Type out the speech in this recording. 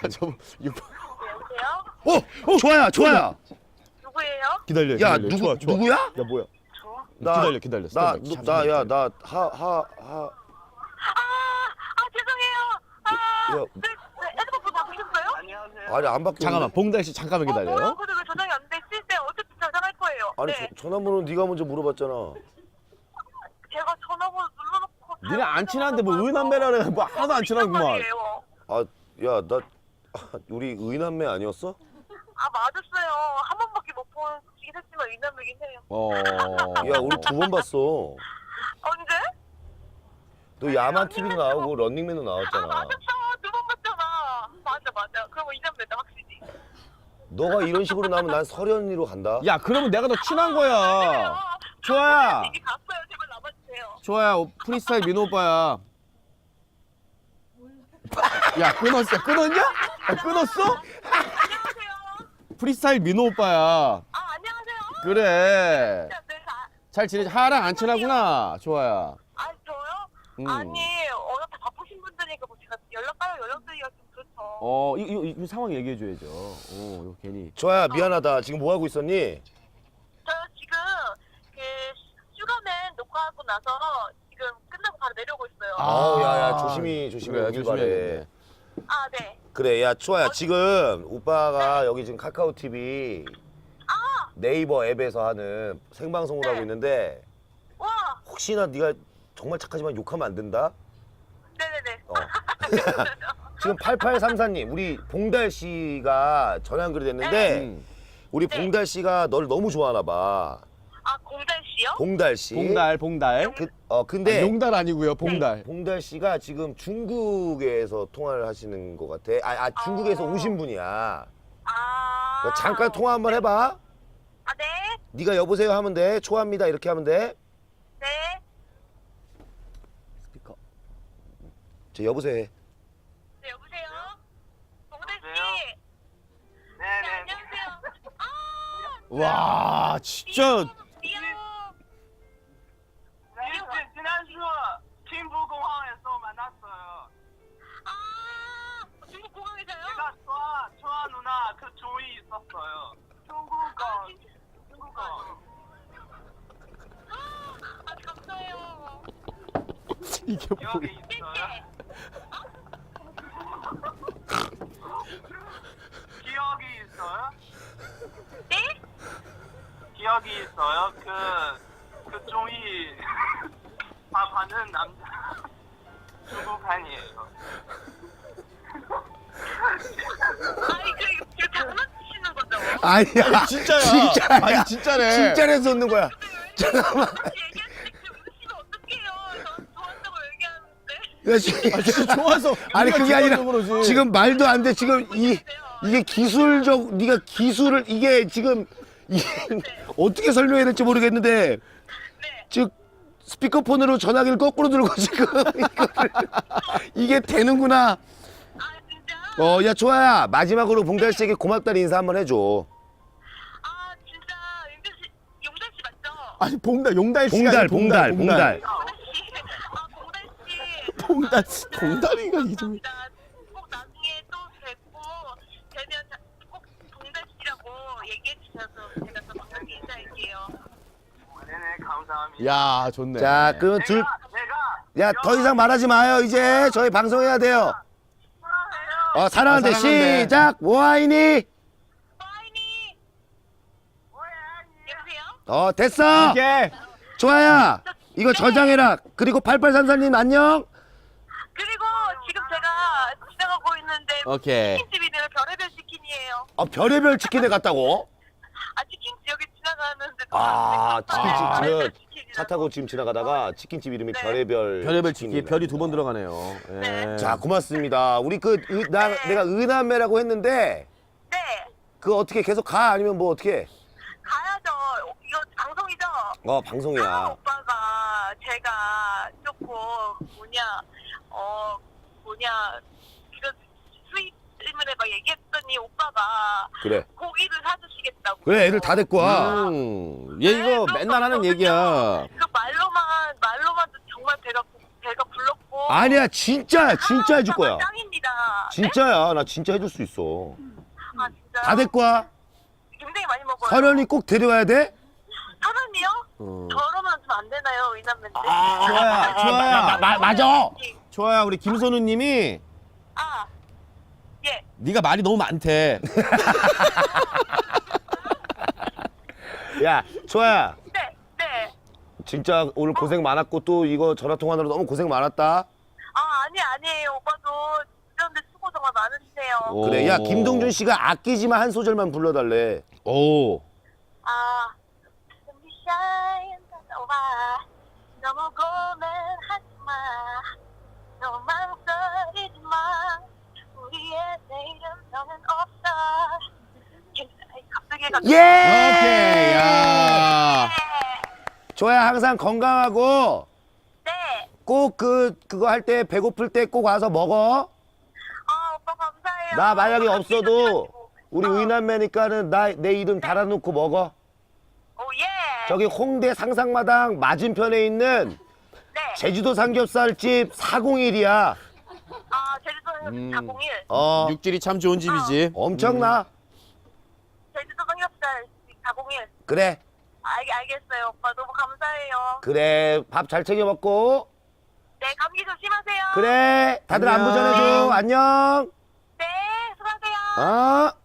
저 여보세요? 좋아야, 좋아야. 누구예요? 기다려. 야, 기다려. 좋아. 누구야? 야 뭐야? 나, 기다려. 스탠바이. 죄송해요. 야. 네, 핸드폰 바꾸셨어요? 안녕하세요. 아니, 안 바뀌었는데. 잠깐만, 봉달 씨 잠깐만 뭐야? 기다려요. 근데 왜 전화기 안 됐을 때 어쨌든 전화할 거예요. 아니, 네. 전화번호 네가 먼저 물어봤잖아. 제가 전화번호 눌러놓고. 니네 안 친한데 뭐 의남매라네. 뭐 하나도 안 친하구만. 아, 야, 나 우리 의남매 아니었어? 아 맞았어요. 한 번밖에 못 보긴 했지만 이남매긴 해요. 야, 우리 2번 봤어. 언제? 너 야만 TV도 나오고 런닝맨도 아 나왔잖아. 맞았어. 2번 봤잖아. 맞아. 그럼 이남매다 확실히. 너가 이런 식으로 나오면 난 설현이로 간다. 야 그러면 내가 더 친한 거야. 좋아야. 이게 갔어요. 제발 남아주세요. 좋아야. 프리스타일 민호 오빠야. 야 끊었어. 끊었냐? 야, 끊었어? 안녕하세요. 프리스타일 민호 오빠야. 아 안녕하세요. 그래. 진짜 네, 잘 지내지? 하랑 안 친하구나. 좋아야. 아 저요? 음. 아니 어차피 바쁘신 분들이니까 뭐 제가 연락드리기가 좀 그렇죠. 이 상황 얘기해 줘야죠. 이거 괜히. 좋아야, 미안하다. 지금 뭐 하고 있었니? 저 지금 그 슈가맨 녹화하고 나서 지금 끝나고 바로 내려오고 있어요. 야, 조심히 그래, 오길 조심해야겠네. 바래. 아 네. 그래, 야, 초아야, 지금 오빠가 여기 지금 카카오 TV 네이버 앱에서 하는 생방송을 하고 있는데 와. 혹시나 네가 정말 착하지만 욕하면 안 된다? 네네네. 어. 지금 8834님, 우리 봉달 씨가 전화 연결이 됐는데 우리 네. 봉달 씨가 너를 너무 좋아하나 봐. 아 공달 씨요? 봉달 씨. 봉달. 근데 용달 아니고요. 봉달. 봉달 씨가 지금 중국에서 통화를 하시는 것 같아. 중국에서 오신 분이야. 아. 너 잠깐 통화 한번 해봐. 아 네. 네가 여보세요 하면 돼. 초합니다 이렇게 하면 돼. 네. 스피커. 저 여보세요 해. 네 여보세요. 공달 씨. 여보세요? 네 네네. 안녕하세요. 아. 와 진짜. 미안. 지난주 김부공항에서 만났어요. 아. 중국 공항에서요? 제가 초아 누나 그 조이 있었어요. 중국어. 아 감사해요. 이게 여기 있어요. 기억이 있어요? 네? 기억이 있어요? 그 조이 밥하는 남자 중국판이에요. 아니 그 장난치시는 거죠? 아니야. 진짜야. 진짜야. 아니 진짜네. 진짜래서 웃는 거야. 잠깐만. 얘기했는데 웃으면 어떡해요? 전 좋아한다고 얘기하는데. 야, 진짜 좋아서. 아니 우리가 그게 아니라 좋아서 그러지. 지금 말도 안 돼. 지금 이게 기술적 네가 기술을 이게 지금 어떻게 설명해야 될지 모르겠는데 네. 즉 스피커폰으로 전화기를 거꾸로 들고 지금 이게 되는구나. 아 진짜? 야 좋아야 마지막으로 봉달 씨에게 고맙다는 인사 한번 해줘. 아 진짜 용달 씨 맞죠? 아니 봉달 용달 씨가 아니라 봉달. 공달 씨. 아 공달 씨. 봉달이가 이름이. 감사합니다. 꼭 나중에 또 뵙고 되면 꼭 공달 씨라고 얘기해 주셔서 제가 더 반갑게 인사할게요. 네네 감사합니다. 야 좋네. 자 그럼 내가 야 더 이상 말하지 마요. 이제 저희 방송해야 돼요. 사랑한대. 사랑한대. 시작. 뭐하이니? 와이니. 여보세요? 됐어. 오케이. 좋아야 이거 저장해라. 그리고 8834님 안녕. 그리고 지금 제가 지나가고 있는데 오케이. 치킨집이네요. 별의별 치킨이에요. 별의별 치킨에 갔다고? 아 치킨 여기 지나가는데 치킨집은 차 타고 지금 지나가다가 치킨집 이름이 네. 별의별 치킨 치킨이네. 별이 2번 들어가네요. 네. 자 고맙습니다. 우리 내가 의남매라고 했는데 네. 그거 어떻게 계속 가 아니면 뭐 어떻게? 가야죠. 이거 방송이죠? 방송이야. 오빠가 제가 조금 이런 수입 때문에 막 얘기했더니 오빠가 그래. 고기를 사주시겠다고. 그래 애들 다 데리고 와. 얘 이거 맨날 하는 얘기야. 그 말로만 정말 배가 불렀고 아니야 진짜 해줄 거야. 짱입니다. 진짜야 나 진짜 해줄 수 있어. 아 진짜. 다 될 거야. 굉장히 많이 먹어요. 설현이 꼭 데려와야 돼. 설현이요? 저러면 좀 안 되나요, 이남매인데? 좋아야. 맞아. 좋아야, 우리 김선우님이 아, 예. 네가 말이 너무 많대. 야 좋아야. 네, 네. 진짜 오늘 고생 많았고 또 이거 전화 통화로 너무 고생 많았다. 아니에요. 오빠도 이런데 수고 정말 많으시네요. 오. 그래 야 김동준 씨가 아끼지만 한 소절만 불러달래. 오. 아, sunshine 와 너무 고민하지 마. 너무 망설이지 마. 우리의 내일은 너는 없어. 갑자기 예. 오케이. 야. 좋아야 항상 건강하고 네. 꼭 그거 할 때 배고플 때 꼭 와서 먹어. 아, 오빠 감사해요. 나 만약에 없어도 우리 어. 의남매니까는 내 이름 달아놓고 먹어. 오, 예. 저기 홍대 상상마당 맞은편에 있는 네. 제주도 삼겹살집 401이야. 아, 제주도 401. 육질이 참 좋은 집이지. 엄청나. 제주도 삼겹살 401. 그래 알겠어요. 오빠 너무 감사해요. 그래 밥 잘 챙겨 먹고. 네, 감기 조심하세요. 그래 다들 안부 안녕. 전해줘. 안녕. 네, 수고하세요. 어?